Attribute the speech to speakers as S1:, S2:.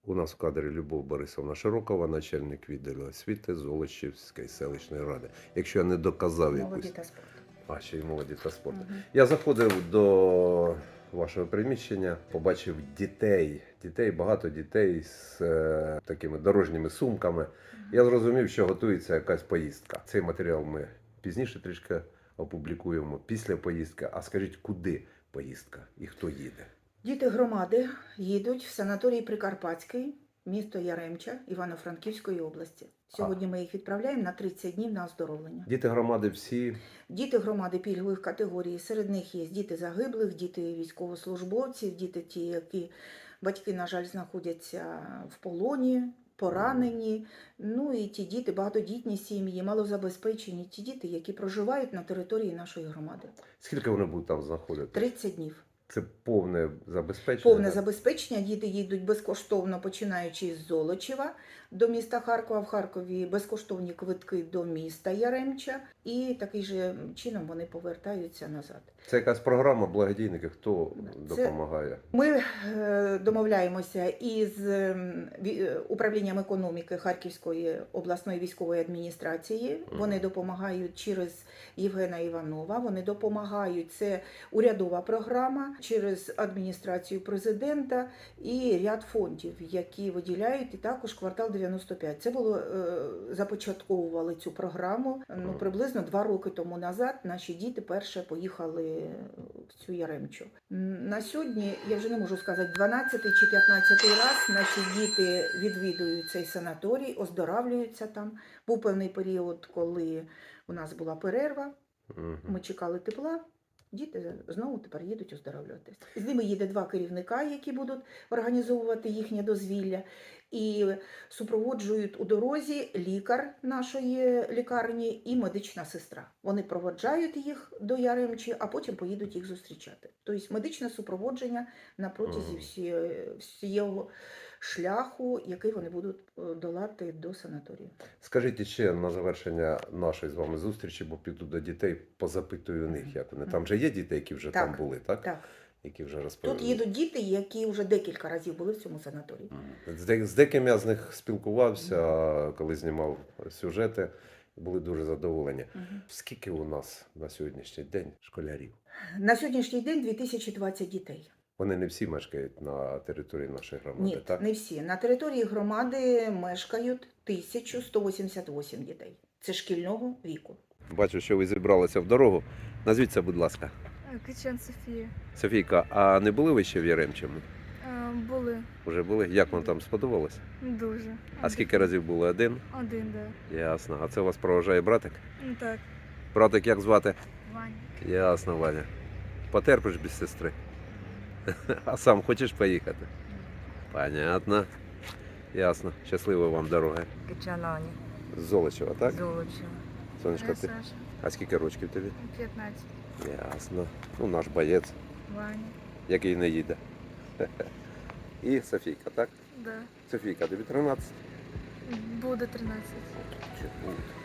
S1: У нас в кадрі Любов Борисовна Широкова, начальник відділу освіти Золочівської селищної ради. Якщо я не доказав
S2: Молоді
S1: якусь...
S2: та спорт.
S1: А, ще й молоді та спорту.
S2: Угу.
S1: Я заходив до вашого приміщення, побачив дітей, багато дітей з такими дорожніми сумками. Я зрозумів, що готується якась поїздка. Цей матеріал ми пізніше трішки опублікуємо після поїздки. А скажіть, куди поїздка і хто їде?
S2: Діти громади їдуть в санаторій Прикарпатський, місто Яремча, Івано-Франківської області. Сьогодні ми їх відправляємо на 30 днів на оздоровлення.
S1: Діти громади всі?
S2: Діти громади пільгових категорій. Серед них є діти загиблих, діти військовослужбовців, діти ті, які батьки, на жаль, знаходяться в полоні, поранені. Ну і ті діти, багатодітні сім'ї, малозабезпечені, ті діти, які проживають на території нашої громади.
S1: Скільки вони будуть там знаходити?
S2: 30 днів.
S1: Це повне забезпечення?
S2: Повне забезпечення. Діти їдуть безкоштовно, починаючи з Золочева до міста Харкова. В Харкові безкоштовні квитки до міста Яремча. І таким же чином вони повертаються назад.
S1: Це якась програма благодійників, хто допомагає?
S2: Ми домовляємося із управлінням економіки Харківської обласної військової адміністрації. Вони допомагають через Євгена Іванова, вони допомагають, це урядова програма, через адміністрацію президента і ряд фондів, які виділяють, і також квартал 95. Це було, започатковували цю програму, приблизно 2 роки тому назад наші діти перше поїхали в цю Яремчу. На сьогодні, я вже не можу сказати, 12 чи 15 раз наші діти відвідують цей санаторій, оздоравлюються там. Був певний період, коли у нас була перерва, ми чекали тепла. Діти знову тепер їдуть оздоровлюватися. З ними їде 2 керівника, які будуть організовувати їхнє дозвілля. І супроводжують у дорозі лікар нашої лікарні і медична сестра. Вони проводжають їх до Яремчі, а потім поїдуть їх зустрічати. Тобто медичне супроводження на протязі всього шляху, який вони будуть долати до санаторію.
S1: Скажіть ще на завершення нашої з вами зустрічі, бо піду до дітей, позапитую у них, як вони. Там вже є діти, які вже там були, так?
S2: Так.
S1: Які вже розповіли.
S2: Тут їдуть діти, які вже декілька разів були в цьому санаторії.
S1: З деякими я з них спілкувався, коли знімав сюжети, були дуже задоволені. Скільки у нас на сьогоднішній день школярів?
S2: На сьогоднішній день 2020 дітей.
S1: Вони не всі мешкають на території нашої громади,
S2: Ні,
S1: так?
S2: не всі. На території громади мешкають 1188 дітей. Це шкільного віку.
S1: Бачу, що ви зібралися в дорогу. Назвіться, будь ласка.
S3: Кичан Софія.
S1: Софійка, а не були ви ще в Яремчому?
S3: Були
S1: Уже були? Як вам там сподобалось?
S3: дуже.
S1: А скільки разів були? Один?
S3: Один, да.
S1: Ясно. А це вас проважає братик?
S3: Ну так.
S1: Братик як звати?
S3: Ваня.
S1: Ясно, Ваня. Потерпиш без сестри? А сам хочеш поїхати? Понятно. Ясно. Щасливої вам дороги.
S4: Кичанані,
S1: З Золочева, так?
S4: Золочева.
S1: Сонечка, ти?
S3: Саша.
S1: А скільки рочків тобі?
S3: 15.
S1: Ясно. Ну, наш боєць,
S3: Ваня.
S1: який не їде. І Софійка, так?
S3: Да.
S1: Софійка, тобі 13?
S3: Буде 13.
S1: Чому?